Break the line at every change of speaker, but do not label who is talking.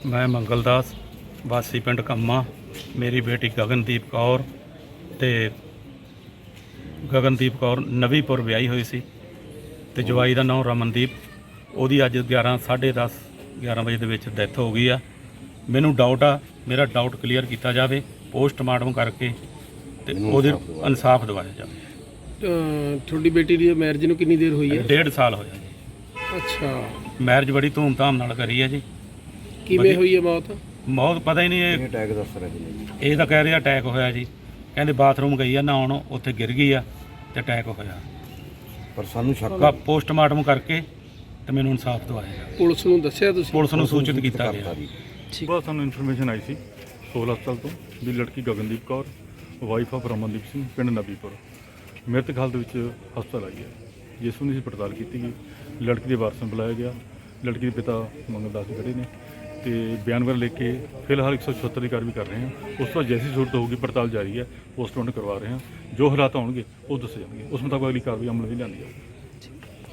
मैं मंगलदास वासी पिंड कम्मा, मेरी बेटी गगनदीप कौर ते गगनदीप कौर नवीपुर ਵਿਆਹੀ ਹੋਈ ਸੀ ਤੇ ਜਵਾਈ ਦਾ ਨਾਮ ਰਮਨਦੀਪ। ਉਹਦੀ ਅੱਜ 11:30 ਵਜੇ ਦੇ ਵਿੱਚ ਡੈਥ ਹੋ ਗਈ ਆ। ਮੈਨੂੰ ਡਾਊਟ ਆ, ਮੇਰਾ ਡਾਊਟ ਕਲੀਅਰ ਕੀਤਾ ਜਾਵੇ, ਪੋਸਟਮਾਰਟਮ ਕਰਕੇ ਤੇ ਉਹਦੇ ਇਨਸਾਫ ਦਿਵਾਇਆ ਜਾਵੇ।
ਤੁਹਾਡੀ ਬੇਟੀ ਦੀ ਮੈਰਿਜ ਨੂੰ ਕਿੰਨੀ ਦੇਰ ਹੋਈ ਹੈ?
1.5 ਸਾਲ ਹੋਇਆ ਜੀ।
ਅੱਛਾ,
ਮੈਰਿਜ ਬੜੀ ਧੂਮਧਾਮ ਨਾਲ ਕਰੀ ਹੈ ਜੀ।
ਕਿਵੇਂ ਹੋਈ ਹੈ ਮੌਤ?
ਮੌਤ ਪਤਾ ਹੀ ਨਹੀਂ, ਇਹ
ਅਟੈਕ ਦੱਸ ਰਹੇ ਨੇ।
ਇਹ ਤਾਂ ਕਹਿ ਰਿਹਾ ਅਟੈਕ ਹੋਇਆ ਜੀ। ਕਹਿੰਦੇ ਬਾਥਰੂਮ ਗਈ ਆ ਨਹਾਉਣ, ਉੱਥੇ ਗਿਰ ਗਈ ਆ ਤੇ ਅਟੈਕ ਹੋਇਆ।
ਪਰ ਸਾਨੂੰ ਸ਼ੱਕ
ਪੋਸਟਮਾਰਟਮ ਕਰਕੇ ਤੇ ਮੈਨੂੰ ਇਨਸਾਫ ਦਵਾਇਆ।
ਪੁਲਿਸ ਨੂੰ ਦੱਸਿਆ ਤੁਸੀਂ?
ਪੁਲਿਸ ਨੂੰ ਸੂਚਿਤ ਕੀਤਾ ਗਿਆ।
ਸੁਬਾਹ ਸਾਨੂੰ ਇਨਫੋਰਮੇਸ਼ਨ ਆਈ ਸੀ ਸੋਲ ਹਸਪਤਾਲ ਤੋਂ ਵੀ ਲੜਕੀ ਗਗਨਦੀਪ ਕੌਰ ਵਾਈਫ ਆਫ ਰਮਨਦੀਪ ਸਿੰਘ ਪਿੰਡ ਨਬੀਪੁਰ ਮ੍ਰਿਤਕ ਹਾਲਤ ਵਿੱਚ ਹਸਪਤਾਲ ਆਈ ਹੈ। ਜਿਸ ਨੂੰ ਅਸੀਂ ਪੜਤਾਲ ਕੀਤੀ ਗਈ, ਲੜਕੀ ਦੇ ਵਾਰਸਾਂ ਬੁਲਾਇਆ ਗਿਆ। ਲੜਕੀ ਦੇ ਪਿਤਾ ਮੰਗਲਦਾਸ ਜੀ ਖੜੇ ਨੇ ਤੇ ਬਿਆਨ ਵਗੈਰਾ ਲਿਖ ਕੇ ਫਿਲਹਾਲ 176 ਦੀ ਕਾਰਵਾਈ ਕਰ ਰਹੇ ਹਾਂ। ਉਸ ਤੋਂ ਜੈਸੀ ਜ਼ਰੂਰਤ ਹੋਊਗੀ ਪੜਤਾਲ ਜਾਰੀ ਹੈ, ਪੋਸਟਮਾਰਟਮ ਕਰਵਾ ਰਹੇ ਹਾਂ। ਜੋ ਹਾਲਾਤ ਹੋਣਗੇ ਉਹ ਦੱਸੇ ਜਾਣਗੇ, ਉਸ ਮੁਤਾਬਕ ਅਗਲੀ ਕਾਰਵਾਈ ਅਮਲ ਵੀ ਲਿਆਂਦੀ ਜਾਊਗੀ।